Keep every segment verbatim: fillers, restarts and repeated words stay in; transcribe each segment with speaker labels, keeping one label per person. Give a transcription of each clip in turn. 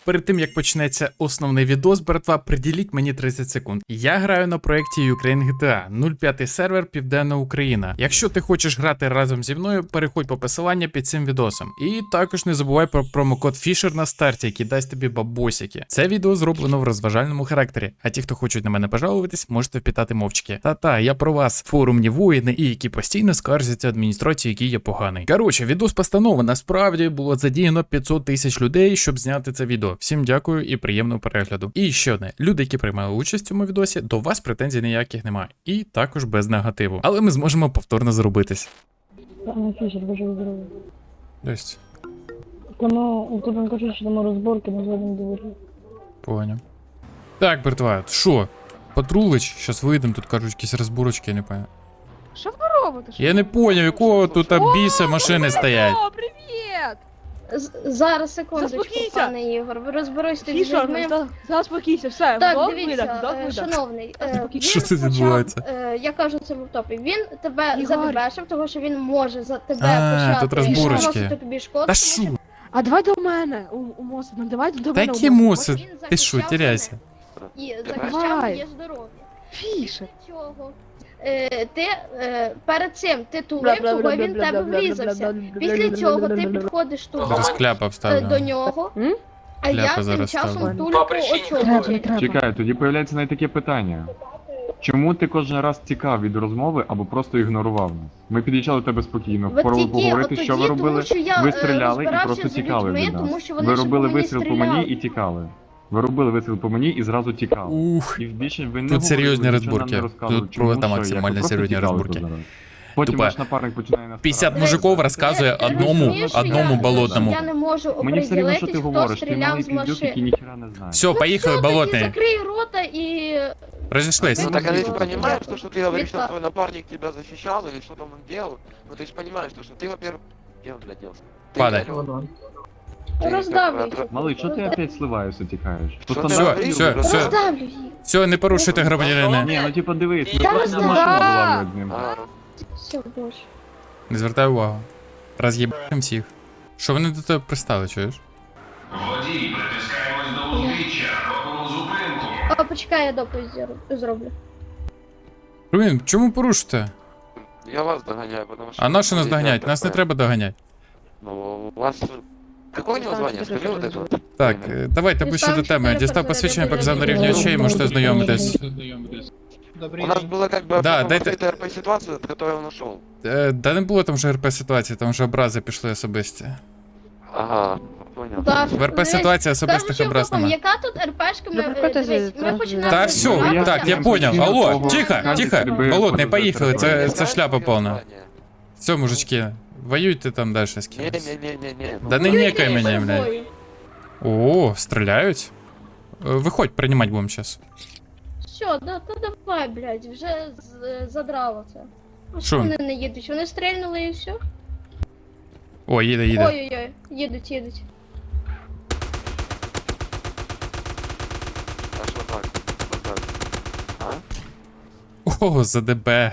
Speaker 1: Перед тим як почнеться основний відос, братва, приділіть мені тридцять секунд. Я граю на проєкті Ukraine джі ті ей, нуль п'ять сервер Південна Україна. Якщо ти хочеш грати разом зі мною, переходь по посиланню під цим відосом. І також не забувай про промокод Fisher на старті, який дасть тобі бабосики. Це відео зроблено в розважальному характері, а ті, хто хочуть на мене пожалуватись, можете впітати мовчки. Та-та, я про вас, форумні воїни, і які постійно скаржаться адміністрації, який я поганий. Коротше, відос постанови, насправді було задіяно п'ятсот тисяч людей, щоб зняти це відео. Всім дякую і приємного перегляду. І ще одне, люди, які приймали участь у цьому відосі, до вас претензій ніяких немає. І також без негативу. Але ми зможемо повторно зробитись.
Speaker 2: Пане Фішер, бажаю здоров'я.
Speaker 1: Ось.
Speaker 2: Тому, тут він каже, що там розборки на заднім дворі.
Speaker 1: Поняв. Так, братва, що? Патрулич, щас вийдемо, тут кажуть якісь розборочки, я не пам'ятаю.
Speaker 3: Що ви робите?
Speaker 1: Я не поняв, якого тут біса машини стоять.
Speaker 3: О, привіт!
Speaker 2: З- Зараз, секундочку,
Speaker 3: Заспокійся.
Speaker 2: пане Ігор, ви розберусь з
Speaker 3: Фішер,
Speaker 2: людьми.
Speaker 3: за- заспокійся, все,
Speaker 2: Так,
Speaker 3: вдох,
Speaker 2: дивіться,
Speaker 3: видох, вдох,
Speaker 2: е,
Speaker 3: видох.
Speaker 2: шановний, е,
Speaker 3: Заспокійся.
Speaker 2: він
Speaker 1: Що це
Speaker 2: почав,
Speaker 1: відбувається?
Speaker 2: е, Я кажу це в топі, він тебе
Speaker 3: Ігор.
Speaker 2: забебешив, тому що він може за тебе
Speaker 1: А,
Speaker 2: почати
Speaker 1: тут розборочки.
Speaker 2: наносити тобі шкоду.
Speaker 1: Та
Speaker 2: тому
Speaker 1: шо?
Speaker 3: А давай до мене, у, у моси, ну давай до
Speaker 1: Та
Speaker 3: мене.
Speaker 1: які
Speaker 3: у
Speaker 1: муси?
Speaker 2: Він
Speaker 1: Ти що,
Speaker 2: захищав
Speaker 1: теряйся?
Speaker 2: мене І захищав
Speaker 3: Давай.
Speaker 2: моє здоров'я.
Speaker 3: Фішер.
Speaker 2: Цього. Е, ти е, перед цим ти тулив, того він в тебе врізався. Після цього ти підходиш тут
Speaker 1: Зараз кляпа
Speaker 2: е,
Speaker 1: вставлю.
Speaker 2: до нього,
Speaker 3: М?
Speaker 2: а я
Speaker 1: Кляпа
Speaker 2: тим
Speaker 1: зараз
Speaker 2: часом
Speaker 1: ставлю.
Speaker 2: тулю
Speaker 4: По
Speaker 2: по
Speaker 4: причині
Speaker 3: Треба,
Speaker 2: очолу.
Speaker 3: треба.
Speaker 5: Чекай, тоді появляється навіть таке питання. Чому ти кожен раз тікав від розмови або просто ігнорував нас? Ми під'їжджали до тебе спокійно,
Speaker 2: От
Speaker 5: пробували
Speaker 2: тільки
Speaker 5: поговорити,
Speaker 2: от
Speaker 5: що ви
Speaker 2: тоді,
Speaker 5: робили.
Speaker 2: тому що я,
Speaker 5: Ви
Speaker 2: е,
Speaker 5: стріляли і
Speaker 2: розбирався
Speaker 5: просто
Speaker 2: з
Speaker 5: тікали
Speaker 2: людьми,
Speaker 5: від нас.
Speaker 2: тому що вони
Speaker 5: Ви
Speaker 2: ж
Speaker 5: робили
Speaker 2: по мені
Speaker 5: вистріл по мені
Speaker 2: стріляли.
Speaker 5: і тікали. Ви робили вистріл по мені і зразу тікали.
Speaker 1: Ух.
Speaker 5: І більше ви не
Speaker 1: Тут серйозні
Speaker 5: говорили, нічого нам
Speaker 1: розборки.
Speaker 5: не розказували,
Speaker 1: Тут
Speaker 5: чому,
Speaker 1: просто
Speaker 5: що,
Speaker 1: максимально
Speaker 5: як. Ви просто
Speaker 1: серйозні
Speaker 5: тікали
Speaker 1: розборки.
Speaker 5: тут зараз. Потім
Speaker 1: Тупо
Speaker 5: наш напарник починає нас
Speaker 1: п'ятдесят
Speaker 5: старатися.
Speaker 1: мужиков розказує
Speaker 2: Ти
Speaker 1: одному,
Speaker 2: розумієш, що
Speaker 1: одному
Speaker 2: я-
Speaker 1: болотному.
Speaker 2: Я не можу
Speaker 5: Мені все рівно, що
Speaker 2: оприділитись,
Speaker 5: ти
Speaker 2: хто
Speaker 5: говориш, ти
Speaker 2: стріляв
Speaker 5: малий
Speaker 2: з
Speaker 5: піздюк, який
Speaker 2: машин.
Speaker 5: ніхера не знає.
Speaker 1: Все, поїхали,
Speaker 2: Все-таки
Speaker 1: болотний.
Speaker 2: закрий рота і...
Speaker 1: Розійшлись.
Speaker 4: Ну так а ты же
Speaker 2: Ну,
Speaker 4: понимаешь, то, что ты говоришь, что
Speaker 2: Вита-
Speaker 4: твой напарник тебя защищал или что там он делал, ну ты же понимаешь, то, что ты, во-первых, где он, блядь, делся? Ты
Speaker 1: Падай.
Speaker 4: реально- Ты
Speaker 2: Роздавлю
Speaker 4: как бы
Speaker 2: їх.
Speaker 4: отра-
Speaker 5: Малий, що ти опять сливаєшся, тікаєш? По
Speaker 4: Що ти
Speaker 5: стандарту-
Speaker 4: говориш?
Speaker 1: все, все.
Speaker 2: Роздавлю їх.
Speaker 1: Все, не порушуйте громадянина.
Speaker 5: Ні, ну типа дивись, ми
Speaker 2: Та
Speaker 5: просто
Speaker 2: роздав-
Speaker 5: машину була з ним.
Speaker 4: А,
Speaker 2: Все, боже.
Speaker 1: Не звертай увагу. Роз'їбаємо всіх. Що вони до тебе пристали, чуєш?
Speaker 6: Водій, притискаємось до узбіччя, робимо зупинку.
Speaker 2: А, почекай, я доповідь зроб- зроблю.
Speaker 1: Блін, чому порушите?
Speaker 4: я вас догоняю, потому что...
Speaker 1: А на що нас
Speaker 4: Есть
Speaker 1: доганять? Нас не
Speaker 4: такое.
Speaker 1: треба доганяти.
Speaker 4: Ну, у вас... Какое у него звание? Скажи вот это вот.
Speaker 1: Так, е, давайте ближче до теми. Дістав посвідчення, показав на рівні очей, можете ознайомитись.
Speaker 4: У нас была как бы
Speaker 1: Да,
Speaker 4: потом
Speaker 1: дайте-
Speaker 4: открытая РП ситуация, от которой он ушел.
Speaker 1: Е, Да не було там вже РП ситуації, там вже образи пішли особисті.
Speaker 4: Ага, понял.
Speaker 2: Так,
Speaker 1: В РП ситуації особистих
Speaker 2: Кажучи,
Speaker 1: образ
Speaker 2: Богом,
Speaker 1: нема.
Speaker 2: яка тут РПшка, ми,
Speaker 3: Ну,
Speaker 2: е,
Speaker 3: приходьте
Speaker 2: дивись,
Speaker 3: зі-
Speaker 2: ми
Speaker 3: зі-
Speaker 2: починаємо...
Speaker 1: Та все,
Speaker 5: Ну, я
Speaker 1: так, я
Speaker 5: прям
Speaker 1: поняв.
Speaker 5: постійно
Speaker 1: Алло,
Speaker 5: того-
Speaker 1: тихо,
Speaker 5: кажуть,
Speaker 1: тихо.
Speaker 5: тебе
Speaker 1: Болотний,
Speaker 5: подозревають.
Speaker 1: поїхали,
Speaker 4: Ты
Speaker 1: це,
Speaker 4: не
Speaker 1: це
Speaker 4: знаешь,
Speaker 1: шляпа
Speaker 4: какое
Speaker 1: повна.
Speaker 4: звание?
Speaker 1: Все, мужички, воюйте там далі з кимось.
Speaker 4: Не-не-не-не-не.
Speaker 1: Да не
Speaker 2: Ой-ой-ой,
Speaker 1: некай мене,
Speaker 2: ой,
Speaker 1: блядь.
Speaker 2: ой.
Speaker 1: О, стріляють? Е, Виходь, приймати будемо зараз.
Speaker 2: Все, да, то давай, блядь, вже з- задрало це. Ну,
Speaker 1: Що?
Speaker 2: що вони не їдуть? Вони стрельнули і все?
Speaker 1: О, їде, їде.
Speaker 2: Ой-ой-ой, їдуть, їдуть.
Speaker 4: А что так? Что так? А?
Speaker 1: О, ЗДБ.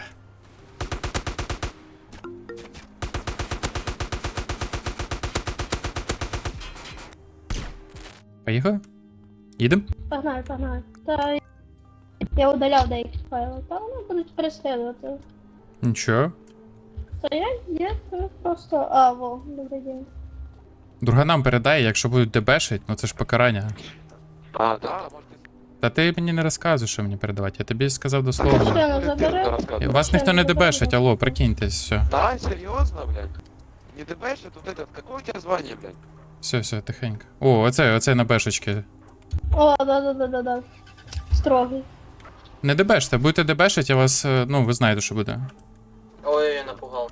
Speaker 1: Поїхали? Їдем?
Speaker 2: Погнали, погнали. Та я удаляв деякі файли, та вони будуть переслідувати.
Speaker 1: Нічого.
Speaker 2: Та я, я просто... А, во, добрий день.
Speaker 1: Друганам передай, якщо будуть дебешить, ну це ж покарання.
Speaker 4: А, да, может ты...
Speaker 1: Та ти мені не розказуєш, що мені передавати, я тобі сказав
Speaker 2: Що
Speaker 1: дословно.
Speaker 2: не забере?
Speaker 1: Вас ніхто не дебешить, алло, прикиньтесь, все.
Speaker 4: Да, серьезно, блядь? Не ДБшь, тут этот, какое у тебя звание, блядь?
Speaker 1: Все, все, тихенько. О, оце, оце на бешечки.
Speaker 2: О, да-да-да-да-да. Строгий.
Speaker 1: Не дебеште, будете дебешить, я вас, е, ну, ви знаєте, що буде.
Speaker 7: Ой, напугал.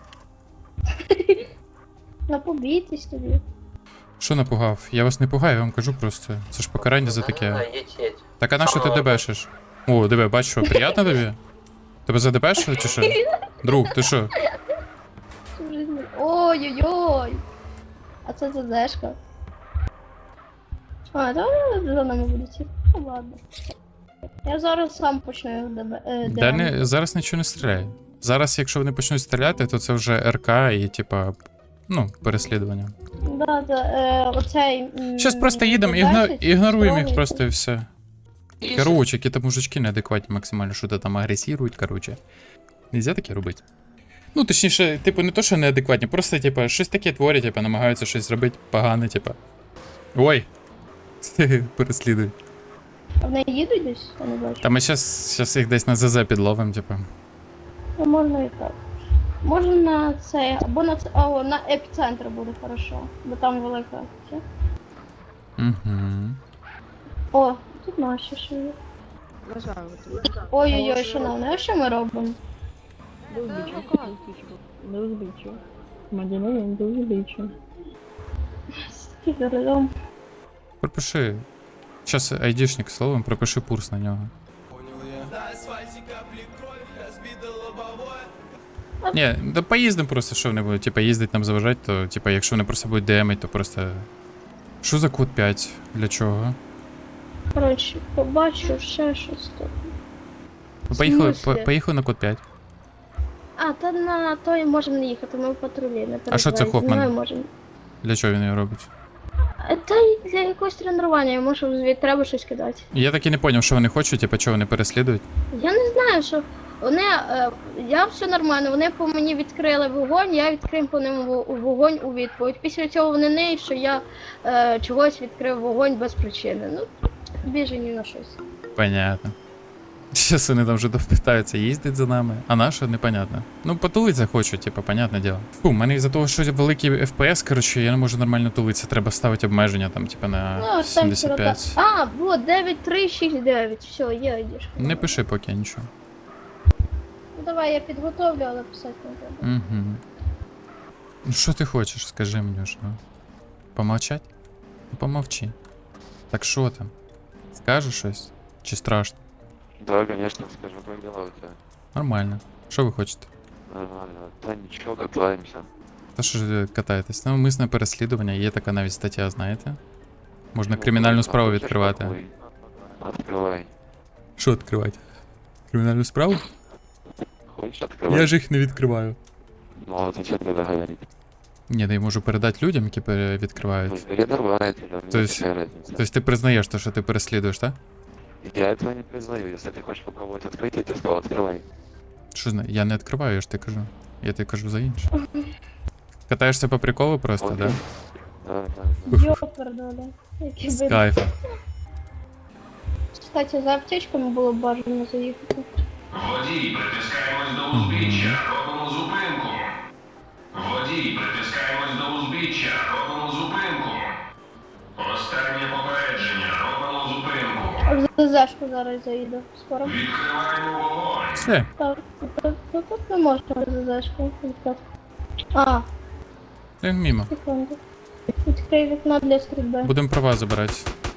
Speaker 2: Напобійтесь тобі.
Speaker 1: Що напугав? Я вас не пугаю, я вам кажу просто. Це ж покарання за
Speaker 7: Да,
Speaker 1: таке.
Speaker 7: едь, едь.
Speaker 1: Так а на що ти дебешиш? О, диви, бач, що, приємно тобі? Тебе задебешили чи що? Друг, ти що?
Speaker 2: Всю жизнь. Ой-ой-ой. А це ЗДшка. А, да, за нами будуть. Ну ладно. Я зараз сам почну ДБ. Е,
Speaker 1: Да
Speaker 2: ДМ.
Speaker 1: не, зараз нічого не стріляє. Зараз, якщо вони почнуть стріляти, то це вже РК і, типа, Ну, переслідування.
Speaker 2: Да, да, е, оцей... м,
Speaker 1: Щас просто їдемо, ігно...
Speaker 2: десять,
Speaker 1: ігноруємо їх
Speaker 2: строгий.
Speaker 1: просто і все.
Speaker 4: И
Speaker 1: Короче, які там мужички неадекватні максимально, що то там агресірують, короче. Нельзя таке робити. Ну, точніше, типу, не то, що неадекватні, просто, типу, щось таке творять, типу, намагаються щось зробити погане, типу. Ой! Переслідують.
Speaker 2: А вони їдуть десь? Я не бачу.
Speaker 1: Та ми щас, щас їх десь на ЗЗ підловимо, типу.
Speaker 2: Ну, можна і так. Можна на це, або на це, о, на епіцентр буде хорошо, бо там велика. Це.
Speaker 1: Угу.
Speaker 2: О, тут наші ще є.
Speaker 3: Бажаю.
Speaker 2: Ой-ой-ой, шановне, а що ми робимо?
Speaker 3: До узбіччя.
Speaker 8: До узбіччя. Громадянин до узбіччя.
Speaker 2: Скільки за рулем?
Speaker 1: Пропиши. Щас айдішник словом, пропиши пурс на нього. Ні, да поїздимо просто, що вони будуть, типа, їздить нам заважати, то, типа, якщо вони просто будуть демить, то просто... Що за код п'ять? Для чого?
Speaker 2: Коротше, побачу ще щось тут.
Speaker 1: Ну, поїхали,
Speaker 2: смислі?
Speaker 1: по, поїхали на код п'ять.
Speaker 2: А, та на той можемо не їхати, ми в патрулі, не
Speaker 1: А що це
Speaker 2: переживай,
Speaker 1: Хофман?
Speaker 2: зі мною можемо.
Speaker 1: Для чого він його робить?
Speaker 2: А, Та й для якогось тренування, йому що звідти треба щось кидати.
Speaker 1: Я так і не зрозумів, що вони хочуть, типа, чого вони переслідують.
Speaker 2: Я не знаю, що вони, е, я все нормально, вони по мені відкрили вогонь, я відкрив по ним во- вогонь у відповідь. Після цього вони не, що я е, чогось відкрив вогонь без причини. Ну, біжені на щось.
Speaker 1: Понятно. Щас вони там вже допитаються, їздить за нами. А на що, непонятно. Ну, потулиться хочу, типа, понятне діло. Фу, у мене із-за того, що великий еф пі ес, коротше, я не можу нормально тулитися. Треба ставити обмеження там, типа, на
Speaker 2: Ну, там
Speaker 1: сімдесят п'ять.
Speaker 2: сорока. А, було дев'ять три шість дев'ять. Все, є йдеш.
Speaker 1: Не пиши поки нічого.
Speaker 2: Ну давай я підготовлю, але писати не треба.
Speaker 1: Угу. Ну що ти хочеш, скажи мені ж, ну. Помовчать? Ну помовчи. Так що там? Скажеш щось? Чи страшно?
Speaker 4: Да, конечно, скажу, как дела у тебя?
Speaker 1: Нормально. Що ви хочете?
Speaker 4: Нормально. Да ничего, катаемся.
Speaker 1: Та що ж ви катаєтесь? Навмисне переслідування, є така навіть стаття, знаєте? Можна
Speaker 4: Ну,
Speaker 1: кримінальну
Speaker 4: а
Speaker 1: справу
Speaker 4: хочешь
Speaker 1: відкривати.
Speaker 4: такой? Открывай.
Speaker 1: Що відкривати? Кримінальну справу?
Speaker 4: Хочешь открывай?
Speaker 1: Я ж їх не відкриваю.
Speaker 4: Ну, а зачем тогда говорить?
Speaker 1: Ні, да я можу передати людям, які пере- відкривають.
Speaker 4: Ну, передавай, тебе,
Speaker 1: То
Speaker 4: мне
Speaker 1: есть-
Speaker 4: какая разница?
Speaker 1: Тобто ти признаєш те, що ти переслідуєш, так?
Speaker 4: Я этого не признаю. Если ты хочешь попробовать открыть, я тебе сказал, открывай.
Speaker 1: Що зна... Я не відкриваю, я ж ти кажу. Я тобі кажу за інше. Катаєшся по приколу просто,
Speaker 4: Окей.
Speaker 1: да?
Speaker 4: Да, да, да.
Speaker 2: Йопердоля. Які
Speaker 1: З
Speaker 2: би.
Speaker 1: кайфом.
Speaker 2: Кстати, за аптечками було б бажано заїхати.
Speaker 6: Водій, притискаємось до узбіччя, робимо зупинку. Водій, притискаємось до узбіччя, робимо зупинку. Останнє попередження, робимо зупинку.
Speaker 2: А в ЗЗшку зараз заїду. Скоро.
Speaker 6: Відкриваємо вогонь.
Speaker 1: Все.
Speaker 2: Так, тут, тут, тут не можна в ЗЗшку відкрити. А,
Speaker 1: Він мімо.
Speaker 2: секунду. Відкрий вікно для стрільби.
Speaker 1: Будемо права забирати.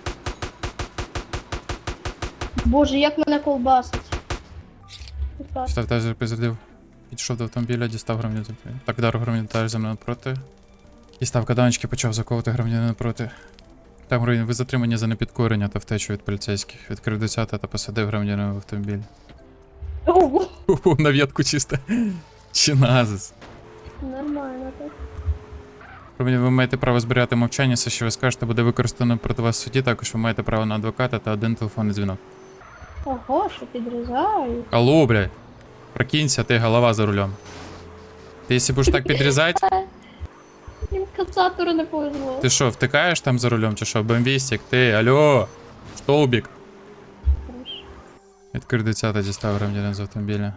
Speaker 2: Боже, як мене колбасить. Так.
Speaker 1: Став тазер призадив. Підійшов до автомобіля, дістав громадянина. Так, дару громадянина за мною напроти. Дістав каданочки, почав заковувати громадянина напроти. Там громадянин, ви затримані за непідкорення та втечу від поліцейських. Відкрив десята та посадив громадянина в автомобіль.
Speaker 2: Ого,
Speaker 1: Ху-ху, на в'ятку чисто. Чи назис.
Speaker 2: нормально так.
Speaker 1: Громадянин, ви маєте право зберігати мовчання, все, що ви скажете, буде використано проти вас в суді. Також ви маєте право на адвоката та один телефонний дзвінок.
Speaker 2: Ого, що підрізають.
Speaker 1: Алло, блядь. Прокинься, ты голова за рулем. Ты если будешь так подрезать,
Speaker 2: Їм кацатору не повезло.
Speaker 1: ты что, втыкаешь там за рулем, чи что, бомбистик, ты, алло, столбик.
Speaker 2: Хорошо.
Speaker 1: Відкрив десята, дістав громадянин з автомобіля.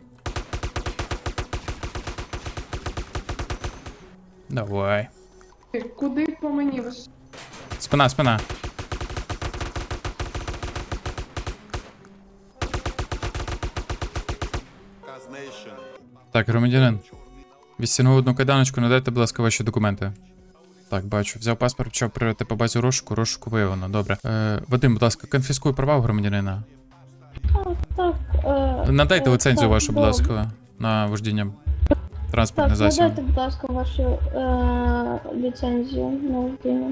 Speaker 1: Давай.
Speaker 3: Куди по мені?
Speaker 1: Спина, спина. Так, громадянин. Відстягнув одну кайданочку, надайте, будь ласка, ваші документи. Так, бачу. Взяв паспорт, почав перевіряти по базі розшуку, розшуку виявлено. Добре. Е, Вадим, будь ласка, конфіскуй права у громадянина.
Speaker 2: Так, е,
Speaker 1: Надайте
Speaker 2: е,
Speaker 1: ліцензію
Speaker 2: так,
Speaker 1: вашу, будь
Speaker 2: добре.
Speaker 1: ласка, на вождіння
Speaker 2: Так,
Speaker 1: транспортних засобів.
Speaker 2: надайте, будь ласка, вашу е, ліцензію на вождіння.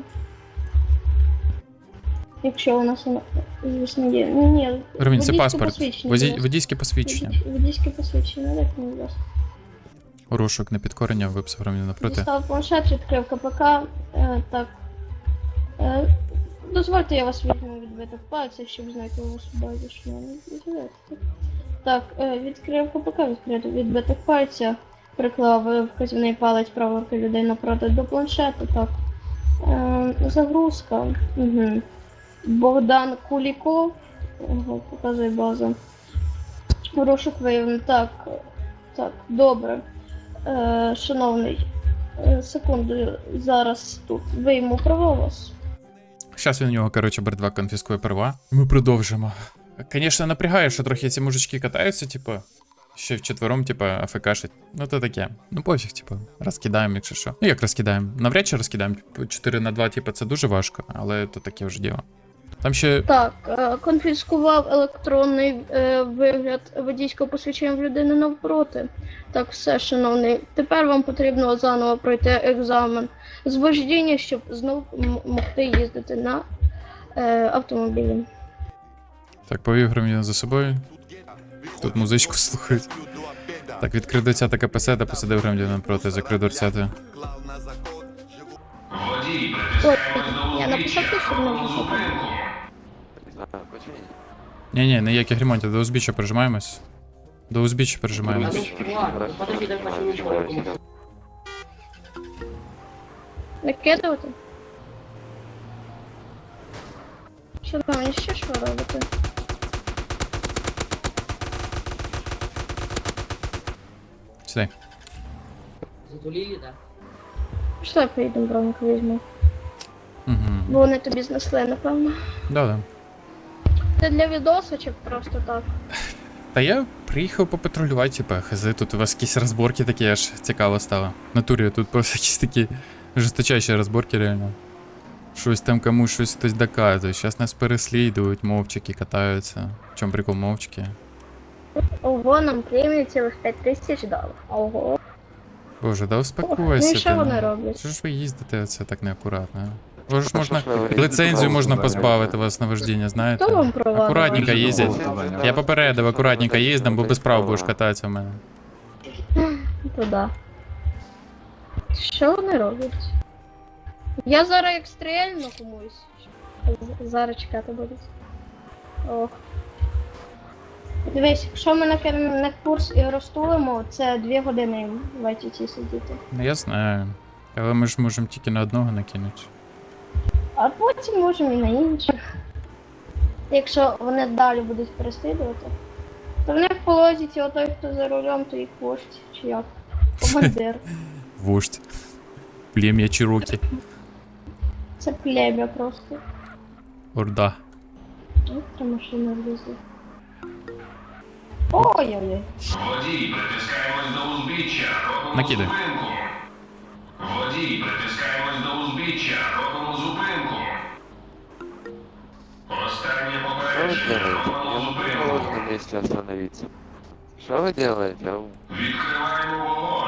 Speaker 2: Якщо у нас вона, звісно, є. Ні, ні,
Speaker 1: Громадянин, це
Speaker 2: водійське
Speaker 1: паспорт.
Speaker 2: посвідчення,
Speaker 1: Водій,
Speaker 2: будь ласка.
Speaker 1: водійське посвідчення.
Speaker 2: Водій- Водійське посвідчення, надайте, будь ласка.
Speaker 1: Розшук на підкорення, виписав громадянина напроти.
Speaker 2: Дістав планшет, відкрив КПК. Е, так. Е, дозвольте, я вас візьму відбиток пальця, щоб знайти у вас в базі, що мене відбувається. Так, е, відкрив КПК, відкрив відбиток пальця, приклав е, вказівний палець правої руки людей напроти до планшету, так. Е, загрузка. Угу. Богдан Куліков. Ого, показує база. Розшук виявлено. Так, так, добре. Е, шановний, е, секунду, зараз тут вийму права у вас.
Speaker 1: Зараз він у нього, коротше, братва конфіскує права. І ми продовжимо. Звісно, напрягає, що трохи ці мужички катаються, типу, ще вчетвером, типу, афекашить. Ну то таке. Ну пофіг, типу, розкидаємо, якщо що. Ну як розкидаємо? Навряд чи розкидаємо. чотири на два, типу, це дуже важко, але то таке вже діло. Там ще.
Speaker 2: Так, е, конфіскував електронний е, вигляд водійського посвідчення в людини навпроти. Так, все, шановний. Тепер вам потрібно заново пройти екзамен з вождіння, щоб знов м- могти їздити на е, автомобілі.
Speaker 1: Так, повів громадянина за собою. Тут музичку слухають. Так, відкрив дверцята КПС та посадив громадянина напроти, закрив дверцята.
Speaker 6: Водій,
Speaker 2: Ой,
Speaker 6: притискаємось до
Speaker 2: я написав
Speaker 6: узбіччя,
Speaker 2: те, що
Speaker 6: робимо
Speaker 2: можна
Speaker 6: зупинку.
Speaker 4: Не знаю, почему.
Speaker 1: Ні-ні, ніяких ремонтів, до узбіччя прижимаємось. До узбіччя прижимаємось.
Speaker 7: Подожди, дай почему.
Speaker 2: Накидувати? Шановні, ще що робити?
Speaker 1: Сюди.
Speaker 7: Затулили, да?
Speaker 2: Що я поїдемо бронку візьму?
Speaker 1: Угу.
Speaker 2: Бо вони тобі знесли, напевно.
Speaker 1: Да-да.
Speaker 2: Це для відосу чи просто так?
Speaker 1: Та я приїхав попатрулювати, типа, хз, тут у вас якісь розборки такі, аж цікаво стало. В натурі тут просто якісь такі жорсточайші розборки, реально. Щось там комусь щось хтось доказує. Зараз нас переслідують, мовчики катаються. В чому прикол мовчики?
Speaker 2: Ого, нам премію цілих п'ять тисяч дали. Ого.
Speaker 1: Боже, да
Speaker 2: Ну
Speaker 1: успокойся.
Speaker 2: і що
Speaker 1: ти,
Speaker 2: вони
Speaker 1: ну.
Speaker 2: роблять?
Speaker 1: Що ж ви їздите це так неакуратно? а? Боже ж
Speaker 4: А
Speaker 1: можна
Speaker 4: що ж ви
Speaker 1: лицензію можна
Speaker 5: їздите?
Speaker 1: позбавити вас на вождіння, знаєте?
Speaker 2: Хто вам права?
Speaker 1: Акуратненько
Speaker 2: давав?
Speaker 1: їздять. Я попередив, акуратненько їздим, бо без прав будеш кататися в мене.
Speaker 2: То да. Що вони роблять? Я зараз як стрельну комусь. З- Зараз чекати будуть. Ох. Дивись, якщо ми на, кер- на курс і розтулимо, це дві години їм в ай ті ті сидіти.
Speaker 1: Ну я знаю. Але ми ж можемо тільки на одного накинути.
Speaker 2: А потім можемо і на інших. Якщо вони далі будуть переслідувати, то в них в полозіці отой, хто за рулем, то їх вождь, чи як? Командир.
Speaker 1: Вождь. Плем'я Чирокі.
Speaker 2: Це плем'я просто.
Speaker 1: Орда.
Speaker 2: Ось три машини влізли. Ой-ой-ой.
Speaker 6: Водій, притискаємось до узбіччя, робимо
Speaker 1: Накидай.
Speaker 6: зупинку. Водій, притискаємось до узбіччя, робимо зупинку. Останнє
Speaker 4: Что вы
Speaker 6: попередження,
Speaker 4: делаете?
Speaker 6: робимо
Speaker 4: Я могу в
Speaker 6: зупинку.
Speaker 4: положенном месте остановиться. Что вы делаете? Ау.
Speaker 6: Відкриваємо вогонь.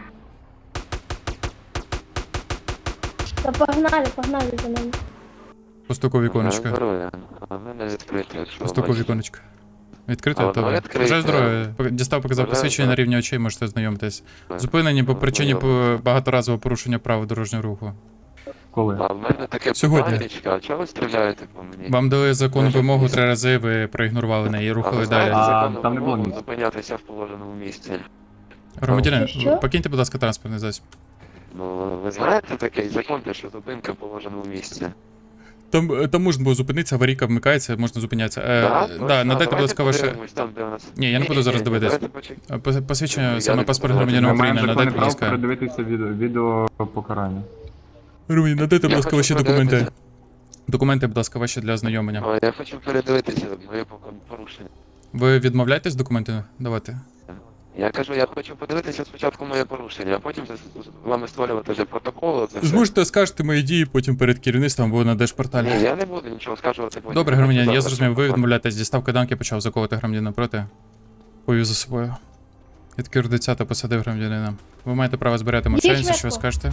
Speaker 2: Та погнали, погнали за нами.
Speaker 1: Постуку віконечко.
Speaker 4: Здоров'я. А в мене відкрите, якщо
Speaker 1: Постуку
Speaker 4: бачите.
Speaker 1: віконечко. Відкрите,
Speaker 4: А,
Speaker 1: то
Speaker 4: воно
Speaker 1: ви.
Speaker 4: відкрите.
Speaker 1: Вже здоров'я. Дістав, показав
Speaker 4: Вже,
Speaker 1: посвідчення на
Speaker 4: так.
Speaker 1: рівні очей, можете знайомитись. Зупинені по причині по- багаторазового порушення правил дорожнього руху.
Speaker 5: Коли?
Speaker 4: А в мене таке
Speaker 1: Сьогодні.
Speaker 4: питаннячко, а чого ви стріляєте по мені?
Speaker 1: Вам дали законну
Speaker 4: Може,
Speaker 1: вимогу
Speaker 4: якісь-
Speaker 1: три рази, ви проігнорували неї і
Speaker 4: А ви
Speaker 1: рухали
Speaker 4: знаєте
Speaker 1: далі.
Speaker 5: А,
Speaker 4: законну
Speaker 5: там не було
Speaker 4: вимогу
Speaker 5: місця.
Speaker 4: зупинятися в положеному місці?
Speaker 1: Громадянин,
Speaker 2: Що?
Speaker 1: покиньте, будь ласка, транспортний засіб.
Speaker 4: Ну, ви знаєте такий закон, де що зупинка в положеному місці?
Speaker 1: Там, е, там можна було зупинитися, аварійка вмикається, можна зупинятися. Е, да,
Speaker 4: точно?
Speaker 1: надайте, будь
Speaker 4: Давайте
Speaker 1: ласка, ваше.
Speaker 4: подивимось там, де у нас...
Speaker 1: Ні, я не буду зараз
Speaker 4: Ні-ні-ні,
Speaker 1: дивитись.
Speaker 4: давайте почек-
Speaker 1: Е, пос- Посвідчення,
Speaker 4: Я
Speaker 1: саме
Speaker 4: не
Speaker 1: паспорт
Speaker 4: буду.
Speaker 1: громадянина
Speaker 5: Ми маємо
Speaker 1: України,
Speaker 5: законне
Speaker 1: надайте, будь
Speaker 5: право
Speaker 1: ласка.
Speaker 5: передивитися відео, відео покарання.
Speaker 1: Громадянин, надайте, будь
Speaker 4: Я
Speaker 1: ласка,
Speaker 4: хочу
Speaker 1: ваші документи.
Speaker 4: подивитися.
Speaker 1: Документи, будь ласка, ваші для ознайомлення.
Speaker 4: О, я хочу передивитися моє порушення.
Speaker 1: Ви відмовляєтесь документи давати?
Speaker 4: Я кажу, я хочу подивитися спочатку моє порушення, а потім з з вами створювати вже протокол. Це все.
Speaker 1: Зможете скажете мої дії потім перед керівництвом або на держпорталі.
Speaker 4: Ні, я не буду нічого скажувати потім.
Speaker 1: Добре, громадянин, я
Speaker 4: Завтра
Speaker 1: зрозумів, ви
Speaker 4: протокол.
Speaker 1: відмовляєтесь, дістав кайданки, почав заковувати громадянина проти. Повів за собою. Відкрив дитя та посадив громадянина. Ви маєте право збирати мовчанця, що ви
Speaker 2: швидко.
Speaker 1: скажете?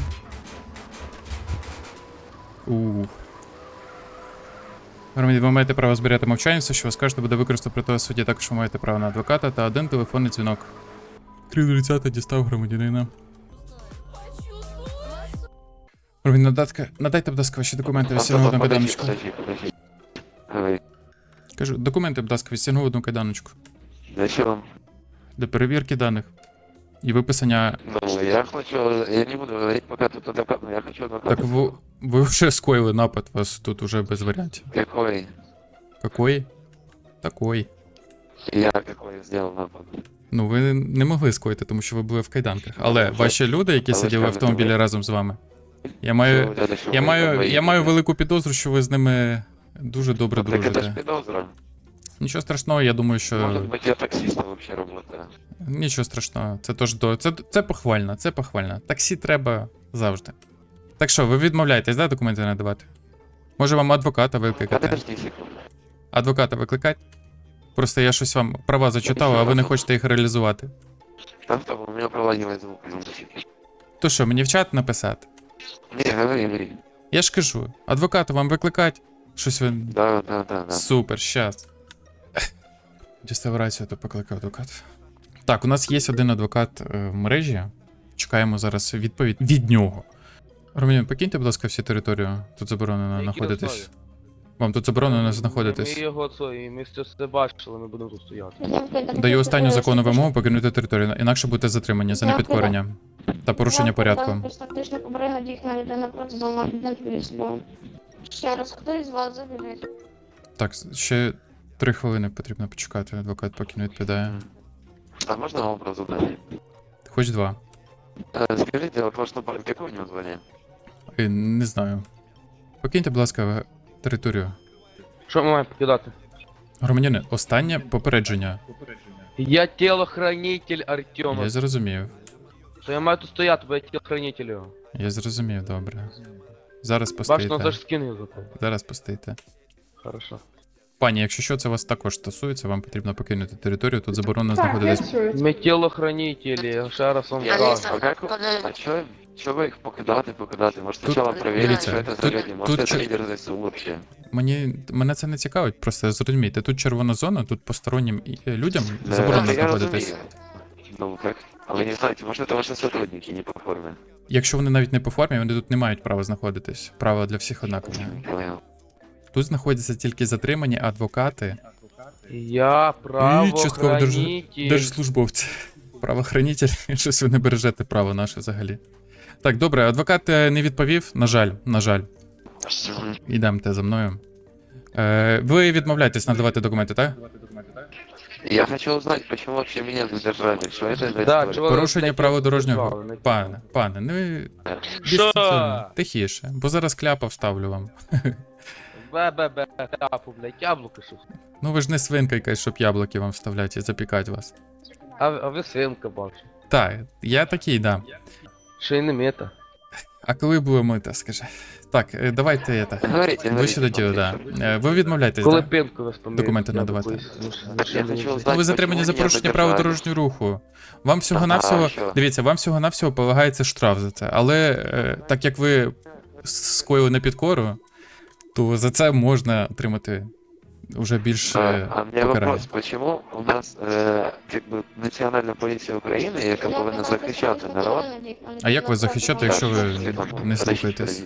Speaker 1: Ух. Громадянин, ви маєте право збирати мовчанця, що ви скажете, буде використано проти вас в суді. Також ви маєте право на адвоката та один телефонний дзвінок. три тридцять дістав громадянина. Робін, надатка, надайте, будь ласка, ваші документи, відстягну одну
Speaker 4: Подожди,
Speaker 1: кайданочку.
Speaker 4: подожди, подожди. Говори.
Speaker 1: Кажу, документи, будь ласка, відстягну одну кайданочку.
Speaker 4: Зачем?
Speaker 1: Для перевірки даних. І виписання.
Speaker 4: Ну, я хочу, я не буду говорить, пока тут адвокат, но я хочу адвоката.
Speaker 1: Так ви, ви вже скоїли напад, вас тут уже без варіантів.
Speaker 4: Какой?
Speaker 1: Какой? Такой.
Speaker 4: Я какой сделал напад?
Speaker 1: Ну, ви не могли скоїти, тому що ви були в кайданках. Але ваші люди, які
Speaker 4: Але
Speaker 1: сиділи в
Speaker 4: скажете,
Speaker 1: автомобілі
Speaker 4: ви-
Speaker 1: разом з вами. Я маю. Я маю, я маю велику підозру, що ви з ними дуже добре
Speaker 4: Так это ж
Speaker 1: дружите.
Speaker 4: подозра.
Speaker 1: Нічого страшного, я думаю, що.
Speaker 4: Может быть, я таксистом вообще работаю.
Speaker 1: Нічого страшного. Це тож до. Це, це похвально, це похвально. Таксі треба завжди. Так що, ви відмовляєтесь, да, документи надавати? Може вам адвоката викликати?
Speaker 4: Подожди секунду.
Speaker 1: Адвоката викликати? Просто я щось вам права зачитав, а ви не хочете їх реалізувати.
Speaker 4: Там что, у меня проводилось звук.
Speaker 1: То що, мені в чат написати?
Speaker 4: Не, говори, говори.
Speaker 1: Я ж кажу, адвоката вам викликати? Щось ви.
Speaker 4: Да, да, да, да.
Speaker 1: Супер, щас. Дістав рацію, то покликав адвокат. Так, у нас є один адвокат е, в мережі. Чекаємо зараз відповідь від нього. Романін, покиньте, будь ласка, всю територію. Тут заборонено знаходитись. Вам тут заборонено знаходитись.
Speaker 9: Ми його це, і ми це все бачили, ми будемо тут стояти.
Speaker 1: Даю останню законну вимогу покинути територію, інакше будете затримані за непідкорення та порушення порядку.
Speaker 2: Фактично поберегла дійсна людина проти зламати відповідь. Ще раз, хто із вас загибить?
Speaker 1: Так, ще три хвилини потрібно почекати, адвокат поки не відповідає.
Speaker 4: А можно вопрос задать?
Speaker 1: Хоч два.
Speaker 4: Э, Скажите, вот ваш напарник, какое у него звание?
Speaker 1: Е, Не знаю. Покиньте, будь ласка, територію.
Speaker 9: Що ми маємо покидати?
Speaker 1: Громадяни, останнє попередження.
Speaker 9: Я тілохранитель Артема.
Speaker 1: Я зрозумів.
Speaker 9: То я маю тут стояти, бо я тілохранитель його.
Speaker 1: Я зрозумів, добре. Зараз
Speaker 9: Бачно,
Speaker 1: постоїте.
Speaker 9: теж скину його за те.
Speaker 1: Зараз постоїте.
Speaker 9: Хорошо.
Speaker 1: Пані, якщо що, це вас також стосується, вам потрібно покинути територію, тут заборонено
Speaker 3: Так, я
Speaker 1: знаходитись.
Speaker 3: чую.
Speaker 9: Ми тілохранителі, я ще раз вам
Speaker 4: Я
Speaker 9: кажу.
Speaker 4: А как А чё, чё вы их покидати, покидати? Может сначала проверить,
Speaker 1: дивіться,
Speaker 4: что это за
Speaker 1: тут-
Speaker 4: люди? Может
Speaker 1: тут
Speaker 4: это
Speaker 1: чё-
Speaker 4: лидер ЗСУ вообще?
Speaker 1: Мені мене це не цікавить, просто зрозумійте, тут червона зона, тут постороннім і- е, людям
Speaker 4: Да,
Speaker 1: заборонено
Speaker 4: я
Speaker 1: знаходитись.
Speaker 4: разумею. Ну как? А вы не знаете, может это ваши сотрудники не по форме?
Speaker 1: Якщо вони навіть не по формі, вони тут не мають права знаходитись. Право для всіх однакове.
Speaker 4: Не понял.
Speaker 1: Тут знаходяться тільки затримані адвокати
Speaker 9: Я
Speaker 1: і частково держ...
Speaker 9: правоохранитель.
Speaker 1: держслужбовці. Правоохранитель, щось ви не бережете право наше взагалі. Так, добре, адвокат е, не відповів, на жаль, на жаль. Ідемте за мною. Е, ви відмовляєтесь надавати документи, так?
Speaker 4: Я хочу узнать, почему вообще меня задержали, что это за
Speaker 9: Да,
Speaker 4: история?
Speaker 9: чого-
Speaker 1: Порушення
Speaker 9: блядь,
Speaker 1: правил
Speaker 9: я
Speaker 1: дорожнього.
Speaker 9: справи не
Speaker 1: Пане, пане, ну ви
Speaker 9: Що?
Speaker 1: дистанційно, тихіше, бо зараз кляпа вставлю вам.
Speaker 9: Бе-бе-бе, тапу, блядь, яблуко щось.
Speaker 1: Ну ви ж не свинка якась, щоб яблуки вам вставляти і запікати вас.
Speaker 9: А, а ви свинка бачу.
Speaker 1: Так, я такий, да.
Speaker 9: Ще й не мета.
Speaker 1: А коли було мити, скажи. Так, е, давайте я так.
Speaker 4: Говорите,
Speaker 1: Ви
Speaker 4: говорите.
Speaker 1: ще до діла, да. Е, Ви відмовляєтесь,
Speaker 9: Коли
Speaker 1: так?
Speaker 9: пинку ви споміли.
Speaker 1: Документи надавати.
Speaker 4: Я хочу
Speaker 1: Ну,
Speaker 4: узнать,
Speaker 1: ви затримані
Speaker 4: почему
Speaker 1: за
Speaker 4: меня
Speaker 1: порушення правил
Speaker 4: задержали.
Speaker 1: дорожнього руху. Вам всього
Speaker 4: Ага,
Speaker 1: навсього
Speaker 4: що?
Speaker 1: дивіться, вам всього навсього полагається штраф за це. Але е, так як ви скоїли непідкору, то за це можна отримати вже більше
Speaker 4: А, а у меня
Speaker 1: покарання.
Speaker 4: вопрос, почему у нас э, как бы національна поліція України, яка повинна захищати народ?
Speaker 1: А як ви захищати, якщо ви не слухаєтесь?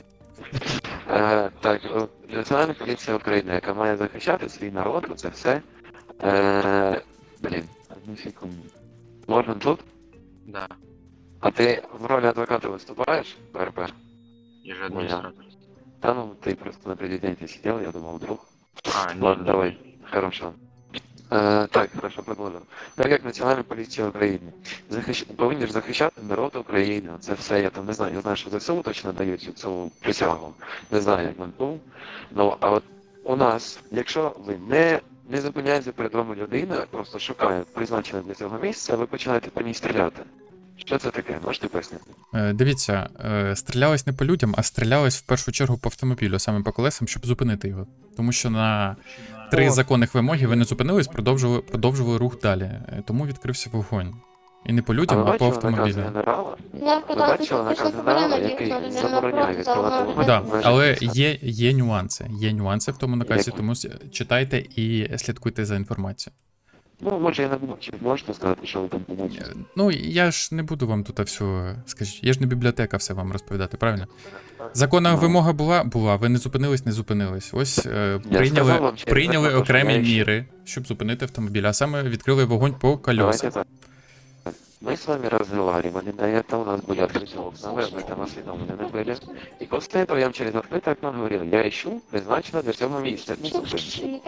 Speaker 4: Е, так, о, Національна поліція України, яка має захищати свій народ, це все. Е, блін, одну секунду. Можна тут?
Speaker 10: Да,
Speaker 4: А ти в ролі адвоката виступаєш, ПРП?
Speaker 10: я же администратор.
Speaker 4: Та ну, ти просто на президенті сидел, я думал, вдруг.
Speaker 10: А, ну,
Speaker 4: Ладно, давай, хорошо. Е, так, хорошо, продовжуємо. Так як Національна поліція України захищ... повинні ж захищати народ України, це все, я там не знаю, я знаю, що ЗСУ точно дають цю присягу, не знаю, як МНПУ, ну, а от у нас, якщо ви не, не зупиняєте перед вами людина, просто шукає призначене для цього місця, ви починаєте по ній стріляти. Що це таке? Можете пояснити?
Speaker 1: Е, Дивіться, е, стрілялось не по людям, а стрілялось в першу чергу по автомобілю, саме по колесам, щоб зупинити його. Тому що на три
Speaker 9: О.
Speaker 1: законних вимоги ви не зупинились, продовжували, продовжували рух далі. Е, Тому відкрився вогонь. І не по людям,
Speaker 4: ви
Speaker 1: а по
Speaker 4: бачили наказ
Speaker 1: автомобілю.
Speaker 4: генерала?
Speaker 2: Я
Speaker 4: Ви бачили наказ генерала, який забороняє відкривати вогонь?
Speaker 1: Да,
Speaker 4: в межах
Speaker 1: але
Speaker 4: міста?
Speaker 1: є, є нюанси. Є нюанси в тому наказі,
Speaker 4: Які?
Speaker 1: тому с- читайте і слідкуйте за інформацією.
Speaker 4: Ну, може я не буду, чи можете сказати, що ви там побачили?
Speaker 1: Е, Ну, я ж не буду вам тут все, скажіть, я ж не бібліотека все вам розповідати, правильно? Законна
Speaker 4: Ну.
Speaker 1: вимога була, була, ви не зупинились, не зупинились. Ось е,
Speaker 4: Я
Speaker 1: прийняли,
Speaker 4: сказав вам через
Speaker 1: прийняли
Speaker 4: закон, що
Speaker 1: окремі
Speaker 4: я ще-
Speaker 1: міри, щоб зупинити автомобіль, а саме відкрили вогонь по
Speaker 4: Давайте
Speaker 1: кольосах.
Speaker 4: так. Мы с вами разговаривали, до этого у нас были открытые окна, вы об этом осведомлены были. И после этого я вам через открытое окно говорил, я ищу призначено для цього місця. Ну, слушай,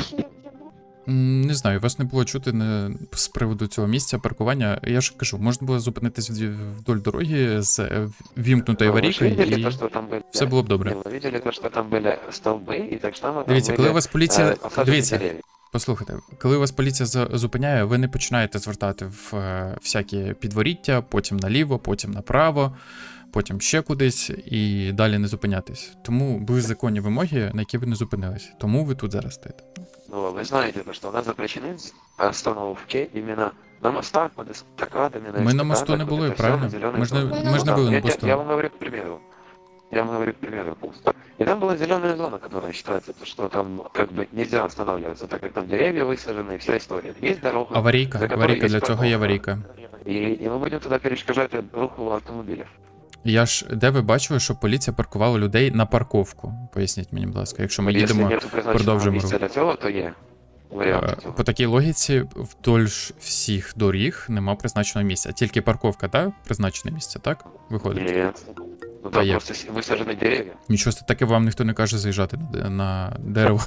Speaker 1: М, Не знаю, вас не було чути не, з приводу цього місця паркування. Я ж кажу, можна було зупинитись вд- вдоль дороги з е, ввімкнутою
Speaker 4: ну, вы же
Speaker 1: аварійкою,
Speaker 4: видели
Speaker 1: і
Speaker 4: то, что там были...
Speaker 1: все було б добре.
Speaker 4: Вы видели то, что там были столбы, и так само там
Speaker 1: Дивіться,
Speaker 4: были,
Speaker 1: коли вас поліція.
Speaker 4: э, посаженные
Speaker 1: Дивіться,
Speaker 4: деревья.
Speaker 1: послухайте, коли вас поліція за- зупиняє, ви не починаєте звертати в е, всякі підворіття, потім наліво, потім направо, потім ще кудись і далі не зупинятись. Тому були законні вимоги, на які ви не зупинились. Тому ви тут зараз стоїте.
Speaker 4: Ну, вы знаете, то, что у нас запрещены остановки именно на мостах, под эстакадами,
Speaker 1: Ми на мосту не були, правильно? Ми ж не, ми ж не були на
Speaker 4: Я, я,
Speaker 1: посту.
Speaker 4: я вам говорю к примеру. Я вам говорю к примеру. И там была зеленая зона, которая считается, то, что там как бы нельзя останавливаться, так как там деревья высажены и вся история. Есть дорога,
Speaker 1: Аварійка,
Speaker 4: за которой
Speaker 1: аварійка,
Speaker 4: есть
Speaker 1: для цього є
Speaker 4: парковка.
Speaker 1: аварійка.
Speaker 4: И, и мы будем туда перешкажать руху автомобилів.
Speaker 1: Я ж, де ви бачили, що поліція паркувала людей на парковку? Поясніть мені, будь ласка, якщо ми
Speaker 4: Якщо
Speaker 1: їдемо
Speaker 4: нету призначеного
Speaker 1: продовжимо
Speaker 4: місця
Speaker 1: рух.
Speaker 4: для цього, то є варіант
Speaker 1: Е,
Speaker 4: цього.
Speaker 1: По такій логіці, вдоль ж всіх доріг нема призначеного місця. Тільки парковка, так? Призначене місце, так? Виходить.
Speaker 4: Нет. Ну
Speaker 1: А
Speaker 4: там
Speaker 1: як?
Speaker 4: просто с- высажены деревья.
Speaker 1: Нічого таке вам ніхто не каже заїжджати на, де- на дерево.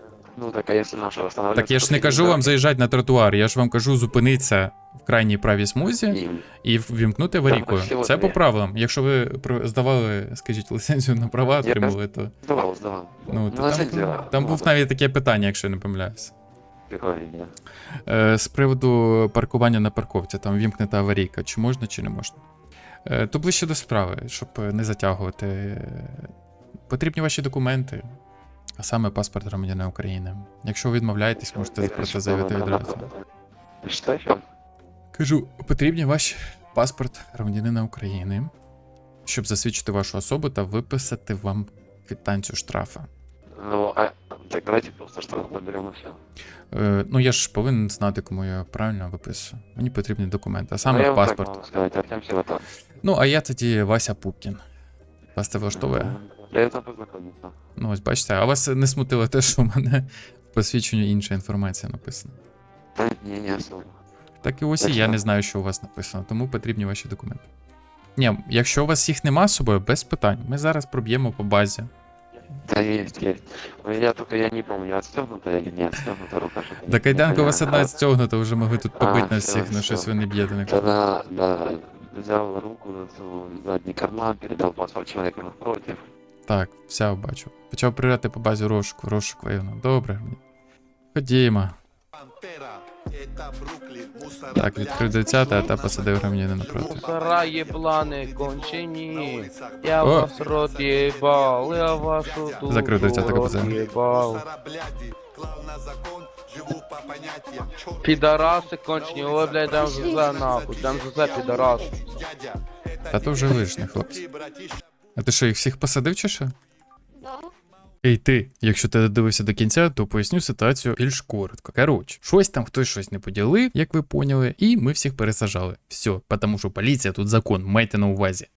Speaker 4: Ну так а если наша останавливаться...
Speaker 1: Так я ж не кажу вам заїжджати на тротуар, я ж вам кажу зупинитися в крайній правій смузі
Speaker 4: И...
Speaker 1: і ввімкнути аварійку.
Speaker 4: всього
Speaker 1: Це
Speaker 4: є.
Speaker 1: по правилам. Якщо ви про- здавали, скажіть, ліцензію на права
Speaker 4: Я
Speaker 1: отримали, то
Speaker 4: Здавал, здавал.
Speaker 1: ну, то
Speaker 4: Ну,
Speaker 1: там,
Speaker 4: ліцензія.
Speaker 1: там був навіть таке питання, якщо я не помиляюся.
Speaker 4: Прикольно.
Speaker 1: Е, З приводу паркування на парковці, там вімкнута аварійка, чи можна, чи не можна. Е, То ближче до справи, щоб не затягувати. Е, Потрібні ваші документи, а саме паспорт громадянина України. Якщо ви відмовляєтесь, можете про це заявити відразу.
Speaker 4: Что еще?
Speaker 1: Кажу, потрібні ваш паспорт громадянина України, щоб засвідчити вашу особу та виписати вам квитанцію штрафа.
Speaker 4: Ну, а... Так давайте просто что наберем и все.
Speaker 1: Е, Ну я ж повинен знати, кому я правильно виписую. Мені потрібні документи, а
Speaker 4: Ну,
Speaker 1: саме
Speaker 4: я вам так
Speaker 1: паспорт.
Speaker 4: могу сказать, Артем Силатов.
Speaker 1: Ну, а я тоді Вася Пупкін. Вас це влаштовує?
Speaker 4: Приятно познакомиться.
Speaker 1: Ну, ось бачите, а вас не смутило те, що в мене в посвідченні інша інформація написана.
Speaker 4: Да, не, не особо.
Speaker 1: Так і ось і я не знаю, що у вас написано, тому потрібні ваші документи. Ні, якщо у вас їх нема з собою, без питань. Ми зараз проб'ємо по базі.
Speaker 4: Да, есть, есть. У меня только, я не помню, отстегнута или не отстегнута рука. что-то
Speaker 1: До
Speaker 4: не
Speaker 1: кайданка у вас
Speaker 4: понятно.
Speaker 1: одна стягнута, вже могли тут
Speaker 4: А,
Speaker 1: побити нас
Speaker 4: всё,
Speaker 1: всіх, на
Speaker 4: всё.
Speaker 1: щось ви не б'єте на
Speaker 4: Тогда, да, взял руку в задний карман, передал паспорт человеку напротив.
Speaker 1: Так, все бачу. Почав прирати по базі розшуку, розшук воєнно. Добре. Ходімо. Так, відкрив десяте, а та посадив громадянина напроти.
Speaker 9: Мусора єблани, кончені. Я
Speaker 1: О.
Speaker 9: вас рот єбал, я вашу душу
Speaker 1: Закрив десяте
Speaker 9: рот
Speaker 1: КПЗ.
Speaker 9: єбал. Підараси кончені, ой, блядь, дам за нахуй, дам за підарас.
Speaker 1: Та то вже лишнє, хлопці. А ти що, їх всіх посадив чи що? Ей ти, якщо ти додивився до кінця, то поясню ситуацію більш коротко. Коротше, щось там хтось щось не поділив, як ви поняли, і ми всіх пересажали. Все, тому що поліція тут закон, майте на увазі.